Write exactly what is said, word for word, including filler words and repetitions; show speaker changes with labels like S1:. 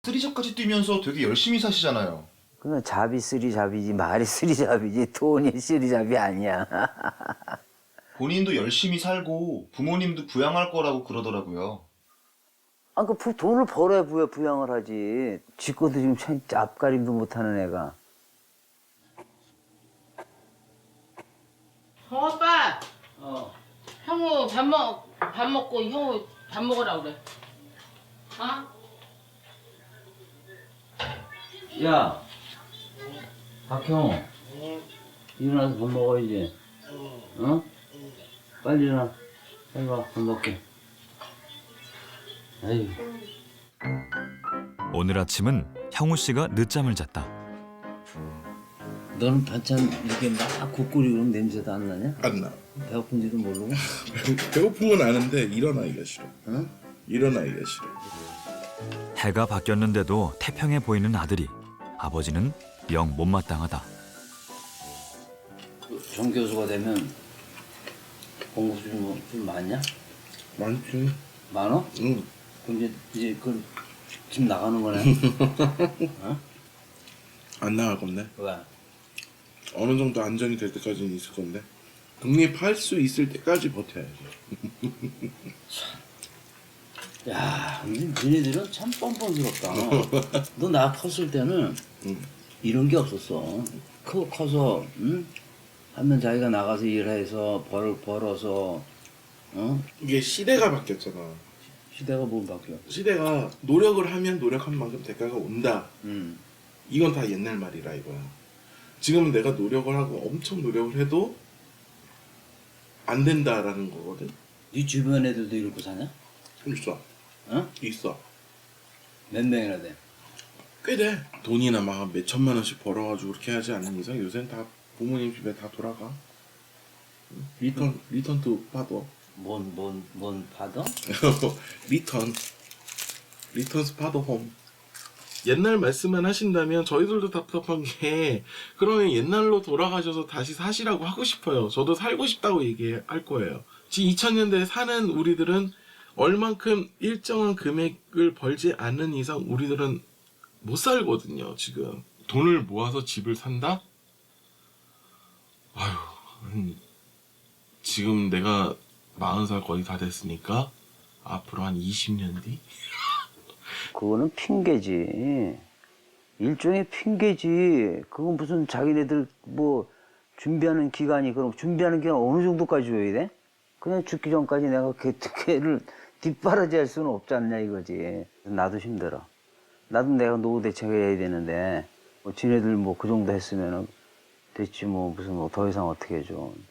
S1: 쓰리잡까지 뛰면서 되게 열심히 사시잖아요.
S2: 그건 잡이 쓰리잡이지 말이 쓰리잡이지 돈이 쓰리잡이 아니야.
S1: 본인도 열심히 살고 부모님도 부양할 거라고 그러더라고요.
S2: 아, 그 부- 돈을 벌어야 부야 부양을 하지. 지 것도 지금 참 앞가림도 못하는 애가.
S3: 형 오빠,
S2: 어.
S3: 형우 밥 먹, 밥 먹고 형우 밥 먹으라 그래. 어?
S2: 야, 박형. 일어나서 밥 먹어야지. 어? 빨리 일어나. 빨리 와, 밥 먹게. 아유.
S4: 오늘 아침은 형우 씨가 늦잠을 잤다.
S2: 너는 반찬 이렇게 막 국끓이고 그러면 냄새도 안 나냐?
S5: 안 나.
S2: 배고픈지도 모르고?
S5: 배고픈 건 아는데 일어나기가 싫어.
S2: 응?
S5: 일어나기가 싫어.
S4: 해가 바뀌었는데도 태평해 보이는 아들이 아버지는 영 못마땅하다.
S2: 정 교수가 되면 공부 좀, 뭐, 좀 많냐?
S5: 많지.
S2: 많어?
S5: 응.
S2: 그럼 이제, 이제 그, 집 나가는 거네? 어?
S5: 안 나갈 건데.
S2: 왜?
S5: 어느 정도 안정이 될 때까지는 있을 건데. 독립할 수 있을 때까지 버텨야지.
S2: 야, 니네들은 참 뻔뻔스럽다. 너 나 컸을 때는
S5: 응.
S2: 이런 게 없었어. 크, 커서, 응? 하면 자기가 나가서 일해서 벌, 벌어서, 어?
S5: 이게 시대가 바뀌었잖아.
S2: 시대가 뭘 바뀌어?
S5: 시대가 노력을 하면 노력한 만큼 대가가 온다.
S2: 응.
S5: 이건 다 옛날 말이라 이거야. 지금은 내가 노력을 하고 엄청 노력을 해도 안 된다라는 거거든.
S2: 네 주변 애들도 이러고 사냐?
S5: 있어.
S2: 어?
S5: 있어.
S2: 몇 명이나 돼?
S5: 꽤 돼. 돈이나 막 몇 천만 원씩 벌어가지고 그렇게 하지 않는 이상 요새는 다 부모님 집에 다 돌아가. 리턴, 리턴 투 파더.
S2: 뭔, 뭔, 뭔 파더?
S5: 리턴. 리턴스 파더 홈. 옛날 말씀만 하신다면 저희들도 답답한 게 그러면 옛날로 돌아가셔서 다시 사시라고 하고 싶어요. 저도 살고 싶다고 얘기할 거예요. 지금 이천 년대에 사는 우리들은 얼만큼 일정한 금액을 벌지 않는 이상 우리들은 못 살거든요. 지금 돈을 모아서 집을 산다? 아휴, 음, 지금 내가 마흔 살 거의 다 됐으니까 앞으로 한 이십 년 뒤?
S2: 그거는 핑계지. 일종의 핑계지. 그건 무슨 자기네들 뭐 준비하는 기간이, 그럼 준비하는 기간 어느 정도까지 줘야 돼? 그냥 죽기 전까지 내가 걔, 걔를 뒷바라지 할 수는 없지 않냐 이거지. 나도 힘들어. 나도 내가 노후 대책해야 되는데, 뭐 지네들 뭐 그 정도 했으면은 됐지 뭐 무슨 뭐 더 이상 어떻게 해줘.